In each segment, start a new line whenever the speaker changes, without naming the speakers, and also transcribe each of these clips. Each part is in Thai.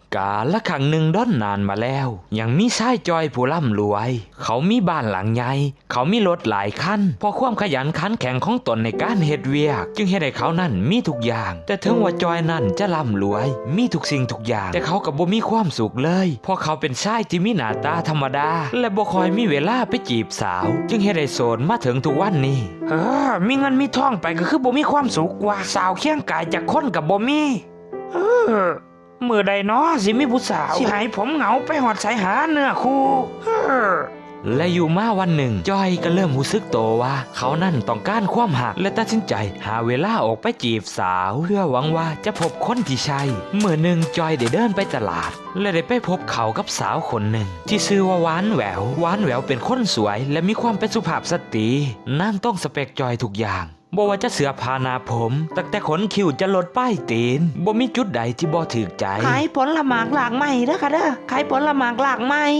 กาละครั้งหนึ่งด้นนานมาแล้วยังมีชายจอยผู้ร่ำรวยเขามีบ้านหลังใหญ่เขามีรถหลายคันเพราะความขยันขันแข็งของตนในการเฮ็ดเวียกจึงเฮ็ดให้เขานั่นมีทุกอย่างแต่ถึงว่าจอยนั่นจะร่ำรวยมีทุกสิ่งทุกอย่างแต่เขาก็บ่มีความสุขเลยเพราะเขาเป็นชายที่มีหน้าตาธรรมดาและบ่ค่อยมีเวลาไปจีบสาวจึงเฮ็ดให้โสดมาถึงทุกวันนี้มีเงินมีทองไปก็คือบ่มีความสุขกว่าสาวเคียงกายจากคนกับบ่มีเมื่อใดเนาะสิมีผู้สาวสิให้ผมเหงาไปหอดสายหาเนื้อคู่และอยู่มาวันหนึ่งจอยก็เริ่มรู้สึกโตว่าเขานั่นต้องการความหักและตัดสินใจหาเวลาออกไปจีบสาวเพื่อหวังว่าจะพบคนที่ใช่เมื่อหนึ่งจอยได้เดินไปตลาดและได้ไปพบเขากับสาวคนหนึ่งที่ชื่อว่าหวานแหววเป็นคนสวยและมีความเป็นสุภาพสตรีนั่งต้องสเปคจอยทุกอย่างบ่ว่าจะเสื้อผ้าหน้าผมตั้งแต่ขนคิ้วจะลดป้ายตีนบ่มีจุดใดที่บ่ถูกใจ
ขายผลหมากหลากไม้เด้อค่ะเด้อขายผลหมากหลากไม้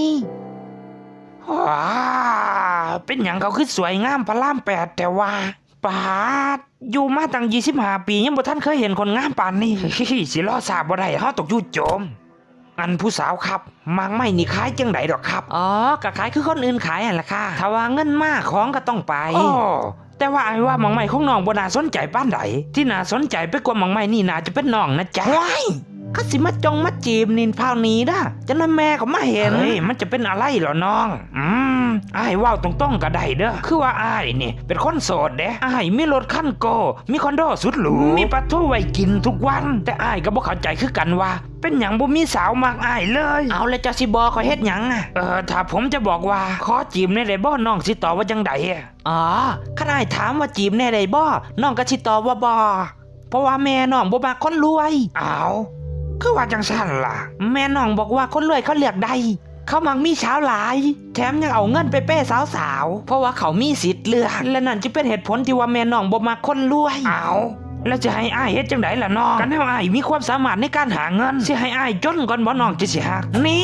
เป็นอย่างเขาคือสวยงามพระราม8แต่ว่าปาดอยู่มาตั้ง25 ปียังบ่ทันเคยเห็นคนงามปานนี้ สิรอทราบบ่ได้เฮาตกอยู่โจมอันผู้สาวครับมากไม่นี่ขายจังไดดอกครับ
ก็ขายคือคนอื่นขายนั่นล่ะค่ะถ้าว่าเงินมากของก็ต้องไป
แต่ว่าไอ้ว่าหมองไม้ของน้องบ่น่าสนใจปานใดที่น่าสนใจไปกว่าหมองไม้นี่น่าจะเป็นน้องนะจ๊ะ
ก็สิมาจงมาจีบนินพาวนี้นะจะนั่นแม่เขามาเห็น
มันจะเป็นอะไรเหรอน้องอ้ายว่าตรงๆก็ได้เด้อคือว่าอ้ายนี่เป็นคนโสดเด้อ้ายมีรถคันโกมีคอนโดสุดหรูมีปลาทูไว้กินทุกวันแต่อ้ายก็บ่เข้าใจคือกันว่าเป็นหยังบ่มีสาวมากอ้ายเลย
เอาแล้วจะสิบอกเขาเฮ็ดหยัง
ถ้าผมจะบอกว่าขอจีบในได้บ่น้องสิตอบว่าจังได
ข้าอ้ายถามว่าจีบแน่ได้บ่น้องก็สิตอบว่าบ่เพราะว่าแม่น้องบ่มักคนรวย
คือว่าจังซั่นล่ะ
แม่น้องบอกว่าคนรวยเขาเลือกได้เขามักมีสาวหลายแถมยังเอาเงินไปเป้สาวเพราะว่าเขามีสิทธิ์เลือกและนั่นจะเป็นเหตุผลที่ว่าแม่น้องบ่มักคนรวย
แล้วจะให้อ้ายเฮ็ดจังไดล่ะน้องกันให้อ้ายมีความสามารถในการหาเงินสิให้อ้ายจนก่อนบ่น้องจะสิฮักนี่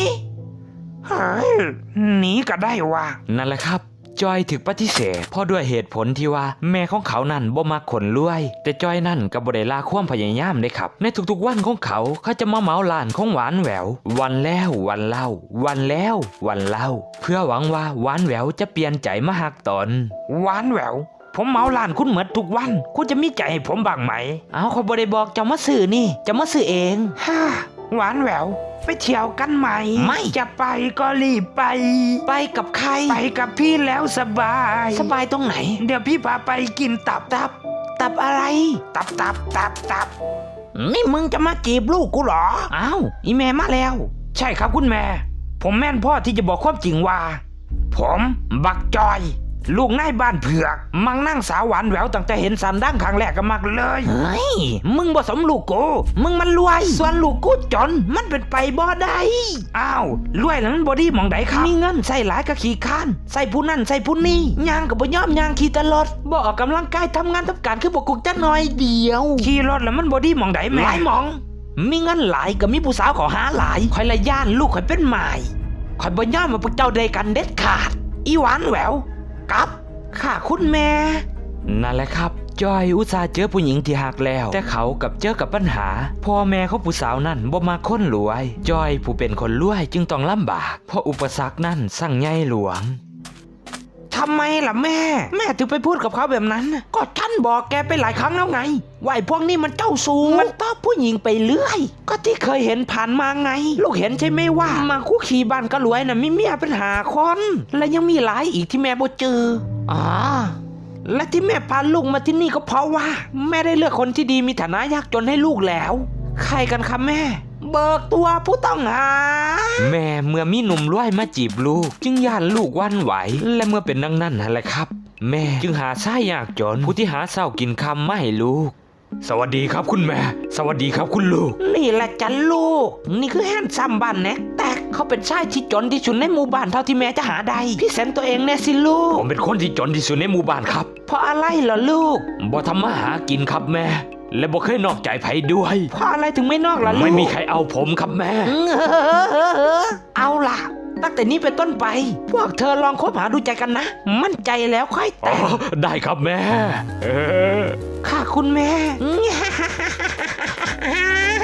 หนีก็ได้ว่า
นั่นแหละครับจอยถึกปฏิเสธเพราะด้วยเหตุผลที่ว่าแม่ของเขานั่นบ่มักคนรวยแต่จอยนั่นก็บ่ได้ลาความพยายามเลยครับในทุกๆวันของเขาจะมาเหมาร้านของหวานแหวววันแล้ววันเล่าวันแล้ววันเล่าเพื่อหวังว่าหวานแหววจะเปลี่ยนใจมาหักตน
หวานแหววผมเหมาร้านคุณเหมือนทุกวันคุณจะมีใจให้ผมบ้างไหม
เขาบ่ได้บอกจะมาซื้อนี่จะมาซื้อเอง
หวานแหววไปเที่ยวกันไหม
ไม่
จะไปก็รีบไป
กับใคร
ไปกับพี่แล้วสบาย
ตรงไหน
เดี๋ยวพี่พาไปกินตับ
อะไร
ตับ
นี่มึงจะมาจีบลูกกูเหรออีแม่มาแล้ว
ใช่ครับคุณแม่ผมแม่นพ่อที่จะบอกความจริงว่าผมบักจอยลูกนายบ้านเผือกมังนั่งสาวหวานแหววตั้งแต่เห็นสันดั้งครั้งแรกก็มักเลย
มึงบ่สมลูกกูมึงมันรวยส่วนลูกกูจนมันเป็นไปบ่ได้
รวยแล้วมันบ่ดีหม่องใดครับ
มีเงินใส่หลายก็ขี้ข้านใส่ผู้นั่นใส่ผู้นี่ย่างก็บ่ยอมย่างขี่ตลอดบ่ออกกำลังกายทำงานทำการคือบ่กุกจักหน่อยเดียว
ขี่รถแล้วมันบ่ดีหม่องใดแม่
หลายหม่องมีเงินหลายก็มีผู้สาวขอหาหลายข่อยละย่านลูกข่อยเป็นหมายข่อยบ่ยอมมาพวกเจ้าใดกันเด็ดขาดอีหวานแหววกับค่ะคุณแม่
นั่นแหละครับจอยอุตส่าห์เจอผู้หญิงที่หักแล้วแต่เขากับเจอกับปัญหาพ่อแม่ของผู้สาวนั่นบ่มาคนรวยจอยผู้เป็นคนรวยจึงต้องลำบากเพราะอุปสรรคนั่นสั่งใหญ่หลวง
ทำไมล่ะแม่ถึงไปพูดกับเขาแบบนั้นก็ฉันบอกแกไปหลายครั้งแล้วไงว่าไอ้พวกนี้มันเจ้าชู้มันต้อผู้หญิงไปเรื่อยก็ที่เคยเห็นผ่านมาไงลูกเห็นใช่ไหมว่ามาคู่ขี่บ้านก็รวยน่ะมีเมียเป็น5 คนและยังมีหลายอีกที่แม่บ่เจอและที่แม่พาลูกมาที่นี่ก็เพราะว่าแม่ได้เลือกคนที่ดีมีฐานะยากจนให้ลูกแล้วใครกันคะแม่เบิกตัวผู้ต้องหา
แม่เมื่อมีหนุ่มรวยมาจีบลูกจึงย่านลูกวันไหวและเมื่อเป็นดังนั้นนั่นแหละครับแม่จึงหาชายยากจนผู้ที่หาเช้ากินค่ำมาให้ลูกสวัสดีครับคุณแม่สวัสดีครับคุณลูก
นี่แหละจันลูกนี่คือแฮนซัมบ้านแน็กแต่เขาเป็นชายที่จนที่สุดในหมู่บ้านเท่าที่แม่จะหาได้พี่แสนตัวเองแน่สิลูก
ผมเป็นคนที่จนที่สุดในหมู่บ้านครับ
เพราะอะไรเหรอลูก
บ่ทำมาหากินครับแม่และบ่เคยนอกใจไผด้วย
เพราะอะไรถึงไม่นอกล่ะลูก
ไม่มีใครเอาผมครับแม่
เอาล่ะตั้งแต่นี้เป็นต้นไปพวกเธอลองคบหาดูใจกันนะมั่นใจแล้วค่อยแต่ง
ได้ครับแม่
ค่ะคุณแม่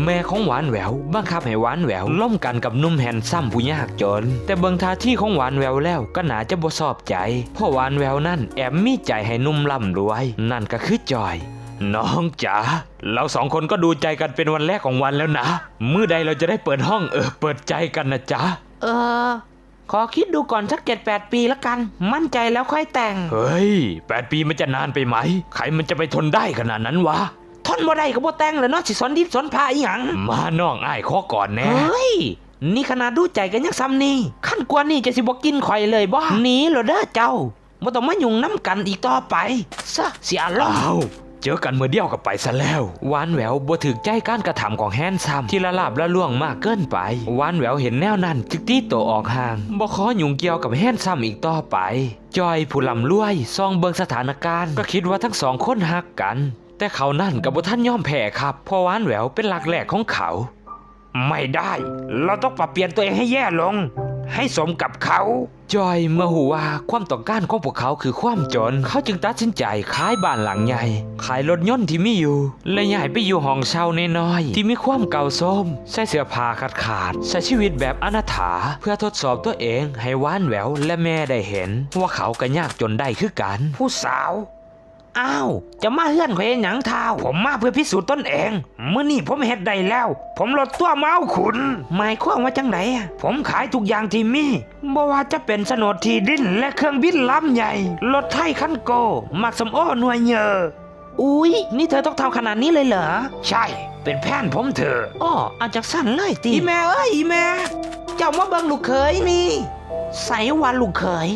แม่ของหวานแหววบังคับให้หวานแหววล่มกันกับหนุ่มแฮนซัมผู้ยากจนแต่เบิ่งท่าที่ของหวานแหววแล้วก็น่าจะบ่ชอบใจเพราะหวานแหววนั่นแอบมีใจให้หนุ่มร่ำรวยนั่นก็คือจอยน้องจ๋าเราสองคนก็ดูใจกันเป็นวันแรกของวันแล้วนะมื้อใดเราจะได้เปิดห้องเปิดใจกันนะจ๊ะ
ขอคิดดูก่อนสัก7-8 ปีละกันมั่นใจแล้วค่อยแต่ง
เฮ้ย8 ปีมันจะนานไปไหมใครมันจะไปทนได้ขนาดนั้นวะ
ทนบ่ได้ก็บ่แต่งแล้วเนาะสิสอนดิบสอนพาอีหยัง
มาน้องอ้ายขอก่อนแน่
เฮ้ยนี่ขนาดดูใจกันยังซ้ำนี่ขั้นกว่านี่จะสิบ่กินข่อยเลยบ่หนีเหรอเด้อเจ้าบ่ต้องมายุ่งน้ำกันอีกต่อไปซะเสียล้อ
อ้าวเจอกันเมื่อเดียวกับไปซะแล้วหวานแหววบ่ถึกใจการกระทำของแฮนซัมที่ละลาบละล่วงมากเกินไปหวานแหววเห็นแนวนั้นจึกตีโตวออกห่างบ่ขอยุ่งเกี่ยวกับแฮนซัมอีกต่อไปจอยผู้ลำรวยซองเบิงสถานการณ์ก็คิดว่าทั้งสองคนฮักกันแต่เขานั่นกับบ่ท่านยอมแพ้ครับเพราะหวานแหววเป็นหลักแหลกของเขา
ไม่ได้เราต้องปรับเปลี่ยนตัวเองให้แย่ลงให้สมกับเขา
จอยเมื่อหูว่าความต้องการของพวกเขาคือความจนเขาจึงตัดสินใจขายบ้านหลังใหญ่ขายรถยนต์ที่มีอยู่และย้ายไปอยู่ห้องเช่าน้อยๆที่มีความเก่าโทรมใส่เสื้อผ้าขาดใช้ชีวิตแบบอนาถาเพื่อทดสอบตัวเองให้หวานแหววและแม่ได้เห็นว่าเขาก็ยากจนได้คือกัน
ผู้สาว
อ้าวจะมาเฮือนข่อยหยังเท้า
ผมมาเพื่อพิสูจน์ตนเองเมื่อนี่ผมเฮ็ดได้แล้วผมลดตัวมาเอาขุน
หมายความว่าจังไหน
ผมขายทุกอย่างที่มีบ่ว่าจะเป็นโฉนดที่ดินและเครื่องบินลำใหญ่รถไถคันโกมักสมโอหน่วยเยอ
อุ๊ยนี่เธอต้องทำขนาดนี้เลยเหรอ
ใช่เป็นแผนผมเถอะ
อ้ออาจากสั้นเลยตีอีแม่เอ้ยอีแม่เจ้ามาเบิ่งลูกเขยนี่ใส่วันลูกเขย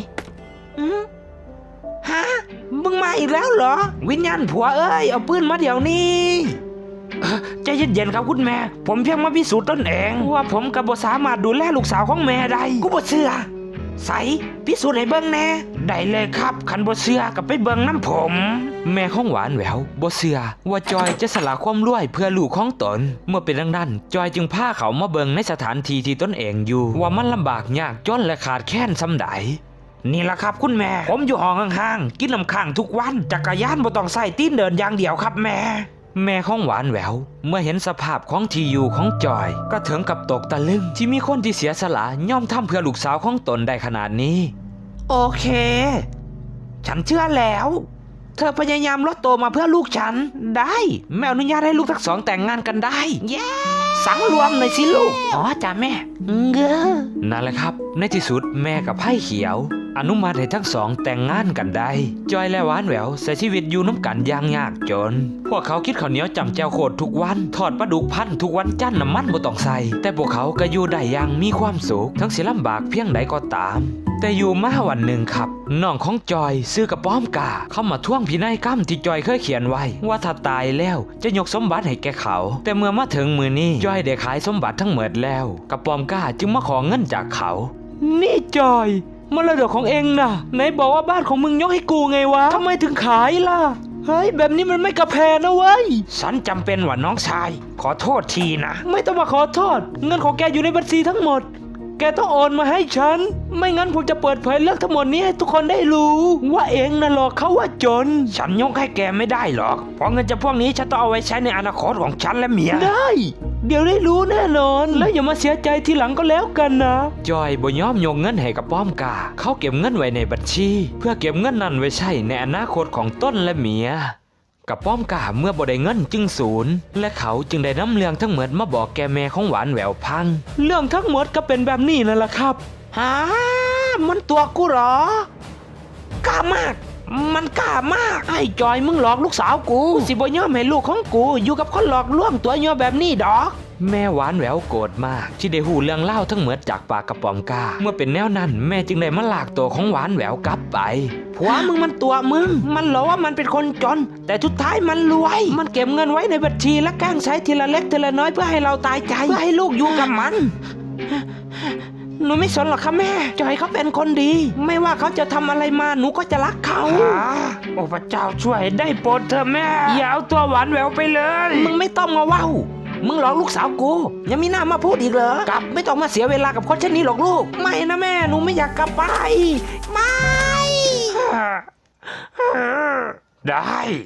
ฮะมึงมาอีกแล้วเหรอวิญญาณผัวเอ้ยเอาปืนมาเดี๋ยวนี้
ใจเย็นๆครับคุณแม่ผมเพียงมาพิสูจน์ตนเองว่าผมกับบ่สามารถดูแลลูกสาวของแม่ได้
กูบ่เชื่อใส่พิสูจน์ให้เบิ่งแน่
ได้เลยครับคันบ่เชื่อกับไปเบิ่งน้ำผม
แม่ของหวานแหววบ่เชื่อว่าจอยจะสละความรวยเพื่อลูกของตนเมื่อเป็นดังนั้นจอยจึงพาเขามาเบิ่งในสถานที่ที่ตนเองอยู่ว่ามันลำบากยากจนและขาดแคลนส่ำใด
นี่แหละครับคุณแม่ผมอยู่ห้องห่างๆกินน้ำข้างทุกวันจักรยานบ่ต้องใส่ตีนเดินอย่างเดียวครับ
แม่ของหวานแหววเมื่อเห็นสภาพของที่อยู่ของจอยก็ถึงกับตกตะลึงที่มีคนที่เสียสละย่อมทำเพื่อลูกสาวของตนได้ขนาดนี้
โอเคฉันเชื่อแล้วเธอพยายามลดโตมาเพื่อลูกฉันได้แม่อนุญาตให้ลูกทั้งสองแต่งงานกันได้เย้สังรวมหน่อยสิลูกอ๋อจ้าแม่
นั่นแหละครับในที่สุดแม่กับไพ่เขียวอนุมัติให้ทั้งสองแต่งงานกันได้จอยและหวานแหววใช้ชีวิตอยู่น้ำกันอย่างยากจนพวกเขาคิดข้าวเหนียวจำแจวโคตรทุกวันทอดปลาดุกพันทุกวันจันทร์น้ำมันบ่ต้องใส่แต่พวกเขาก็อยู่ได้อย่างมีความสุขทั้งสิลำบากเพียงใดก็ตามแต่อยู่มาวันหนึ่งครับน้องของจอยซื้อกระป้อมกาเข้ามาท่วงพินัยกรรมที่จอยเคยเขียนไว้ว่าถ้าตายแล้วจะยกสมบัติให้แกเขาแต่เมื่อมาถึงมือนี้จอยได้ขายสมบัติทั้งหมดแล้วกระป้อมกาจึงมาขอเงินจากเขา
นี่จอยมรดกของเองนะไหนบอกว่าบ้านของมึงยกให้กูไงวะทำไมถึงขายล่ะเฮ้ยแบบนี้มันไม่กระแพนะเว้ย
ฉันจำเป็นว่าน้องชายขอโทษทีนะ
ไม่ต้องมาขอโทษเงินของแกอยู่ในบัญชีทั้งหมดแกต้องโอนมาให้ฉันไม่งั้นผมจะเปิดเผยเรื่องทั้งหมดนี้ให้ทุกคนได้รู้ว่าเองน่ะหลอกเขาว่าจน
ฉันยกให้แกไม่ได้หรอกเพราะเงินจำพวกนี้ฉันต้องเอาไว้ใช้ในอนาคตของฉันและเมีย
ได้เดี๋ยวได้รู้แน่นอนแล้วอย่ามาเสียใจทีหลังก็แล้วกันนะ
จอยบ่ยอมยกเงินให้กับป้อมกาเขาเก็บเงินไว้ในบัญชีเพื่อเก็บเงินนั้นไว้ใช้ในอนาคตของต้นและเมียกับป้อมกาเมื่อบ่ได้เงินจึงสูญและเขาจึงได้นำเรื่องทั้งหมดมาบอกแกแม่ของหวานแหววพัง
เรื่องทั้งหมดก็เป็นแบบนี้นั่นแหละครับฮะมันตัวกูเหรอกล้ามากมันกล้ามากไอ้จอยมึงหลอกลูกสาวกูสิบ่ยอมให้ลูกของกูอยู่กับคนหลอกลวงตัวย่อแบบนี้ดอก
แม่หวานแหววโกรธมากที่ได้หูเรื่องเล่าทั้งหมดจากปากกระป๋อมกาเมื่อเป็นแนวนั้นแม่จึงได้มาลากตัวของหวานแหววกลับไป
ผัวมึงมันตัวมึงมันหลอกว่ามันเป็นคนจนแต่สุดท้ายมันรวยมันเก็บเงินไว้ในบัญชีและแกล้งใช้ทีละเล็กทีละน้อยเพื่อให้เราตายใจเพื่อให้ลูกอยู่กับมันหนูไม่สนหรอกค่ะแม่จอยเขาเป็นคนดีไม่ว่าเขาจะทำอะไรมาหนูก็จะรักเขา
โอ้พระเจ้าช่วยได้โปรดเถอะแม่อย่าเอาตัวหวานแหววไปเลย
มึงไม่ต้องมาว้าวมึงหลอกลูกสาวกูยังมีหน้ามาพูดอีกเหรอกลับไม่ต้องมาเสียเวลากับคนเช่นนี้หรอกลูกไม่นะแม่หนูไม่อยากกลับไปไม่
ได้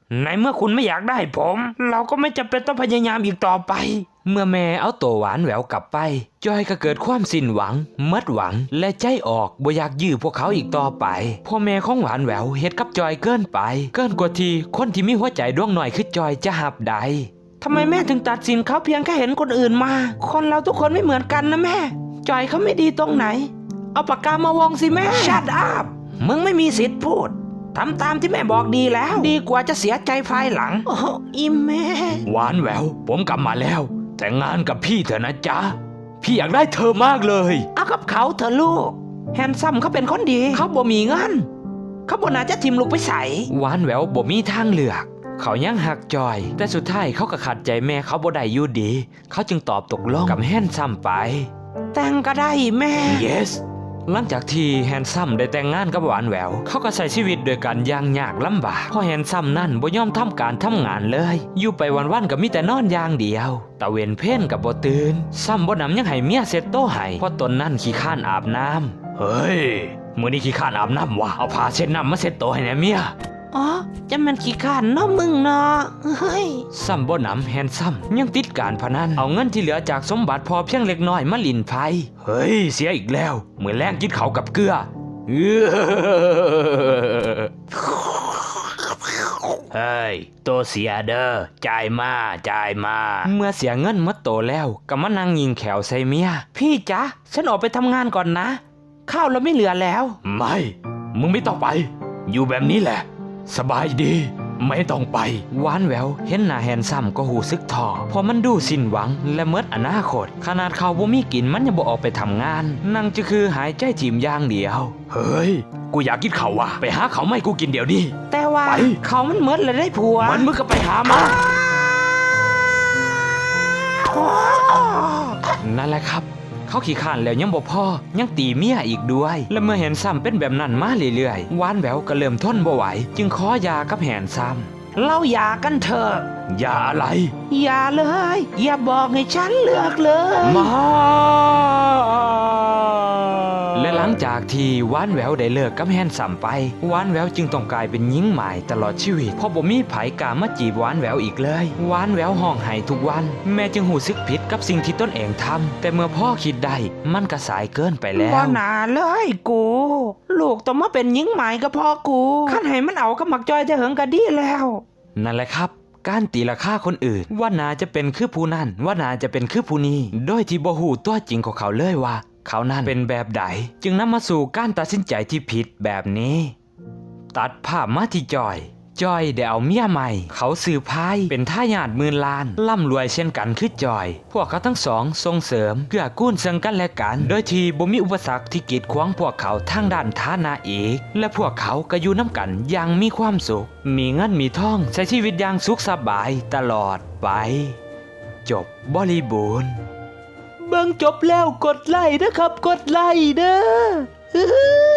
ในเมื่อคุณไม่อยากได้ผม เราก็ไม่จำเป็นต้องพยายามอีกต่อไป
เมื่อแม่เอาตัวหวานแหววกลับไปจอยก็เกิดความสิ้นหวังหมดหวังและใจออกบ่อยากยื้อพวกเขาอีกต่อไปพ่อแม่ของหวานแหววเฮ็ดกับจอยเกินไปเกินกว่าที่คนที่มีหัวใจดวงหน่อยคือจอยจะหับได้
ทำไมแม่ถึงตัดสินเขาเพียงแค่เห็นคนอื่นมา คนเราทุกคนไม่เหมือนกันนะแม่ จอยเขาไม่ดีตรงไหน เอาปากกามาวงสิแม่ ชัดอัพมึงไม่มีสิทธิ์พูด ทำตามที่แม่บอกดีแล้ว ดีกว่าจะเสียใจภายหลัง โอ้อิมแม่
หวานแหววผมกลับมาแล้วแต่งงานกับพี่เถอะนะจ๊ะพี่อยากได้เธอมากเลย
เอากับเขาเถอะลูก แฮนซัมเขาเป็นคนดี เขาบ่มีเงิน เขาบ่น่าจะทิมลูกไปใส่
หวานแหววบ่มีทางเลือกเขายังหักจอยแต่สุดท้ายเขาก็ขัดใจแม่เขาบ่ได้อยู่ดีเขาจึงตอบตกลงกับแฮนซัมไป
แต่งก็ได้แม่
yes หลังจากที่แฮนซัมได้แต่งงานกับหวานแหววเขาก็ใช้ชีวิตโดยการยากยากลำบากเพราะแฮนซัมนั่นบ่ยอมทำการทำงานเลยอยู่ไปวันๆก็มีแต่นอนอย่างเดียวตะเวนเพ่นกับบ่ตื่นซ้ำบ่นำยังให้เมียเซ็ตโตให้เพราะตนนั่นขี้ข้านอาบน้ำเฮ้ยมื้อนี้ขี้ข้านอาบน้ำวะเอาผ้าเช็ดน้ำมาเซ็ตโตให้แหน่เมีย
อ๋อจะมันขี้ข้านเนาะมึงเนาะเฮ้ย
ซัมบ่นำแฮนซัมยังติดการพนันเอาเงินที่เหลือจากสมบัติพอเพียงเล็กน้อยมาลินไพ่เฮ้ยเสียอีกแล้วมื้อแรงกินเขาวกับเกลือเฮ้ยโตเสียเด้อจ่ายมาเมื่อเสียเงินหมดโตแล้วก็มานั่งยิงแขวใส่เมีย
พี่จ๊ะฉันออกไปทำงานก่อนนะ ข้าวเราไม่เหลือแล้ว
ไม่มึงไม่ต้องไป อยู่แบบนี้แหละสบายดีไม่ต้องไปหวานแหววเห็นหน้าแฮนซัมก็หูซึกท้อเพราะมันดูสิ้นหวังและเมิดอนาคตขนาดเขาบ่มีกินมันยังบ่ออกไปทำงานนั่งจะคือหายใจจีมอย่างเดียวเฮ้ยกูอยากกินเขาว่ะไปหาเขาไม่กูกินเดี๋ยวนี้
แต่ว่า
ไป
เขามันเมิดเลยได้ผัว
มันมึงก็ไปหามานั่นแหละครับเขาขี้ข้านแล้วยังบ่พอยังตีเมียอีกด้วย และเมื่อเห็นซ้ำเป็นแบบนั้นมาเรื่อยๆหวานแหววก็เริ่มทนบ่ไหวจึงขอหย่ากับแหนซ้ำ
เราหย่ากันเถอะ
อย่าอะไร
อย่าเลย อย่าบอกให้ฉันเลือกเลย
มาและหลังจากที่หวานแหววได้เลิกกับแฮนซัมไปหวานแหววจึงต้องกลายเป็นหญิงหมายตลอดชีวิตเพราะบ่มีไผกล้ามาจีบหวานแหววอีกเลยหวานแหววห้องไห้ทุกวันแม่จึงหูซึกผิดกับสิ่งที่ตนเองทำแต่เมื่อพ่อคิดได้มันก็สายเกินไปแล้ว
บ่น่าเลยกู ลูกต้องมาเป็นหญิงหมายก็พอกูขั้นให้มันเอากับหมักจอยจะเหิงก็ดีแล้ว
นั่นแหละครับการตีราคาคนอื่นว่านาจะเป็นคือผู้นั้นว่านาจะเป็นคือผู้นี้โดยที่บ่ฮู้ตัวจริงของเขาเลยว่าเขานั้นเป็นแบบใดจึงนำมาสู่การตัดสินใจที่ผิดแบบนี้ ตัดภาพมาที่จอยได้เอาเมียใหม่เขาสืบพายเป็นทายาทหมื่นล้านร่ำรวยเช่นกันคือจอยพวกเขาทั้งสองส่งเสริมเกื้อกูลซึ่งกันและกันโดยที่บ่มีอุปสรรคที่กีดขวางพวกเขาทางด้านฐานะอีกและพวกเขาก็อยู่น้ำกันอย่างมีความสุขมีเงินมีทองใช้ชีวิตอย่างสุขสบายตลอดไปจบบริบูรณ์
เบิ่งจบแล้วกดไลค์นะครับกดไลค์เด้อ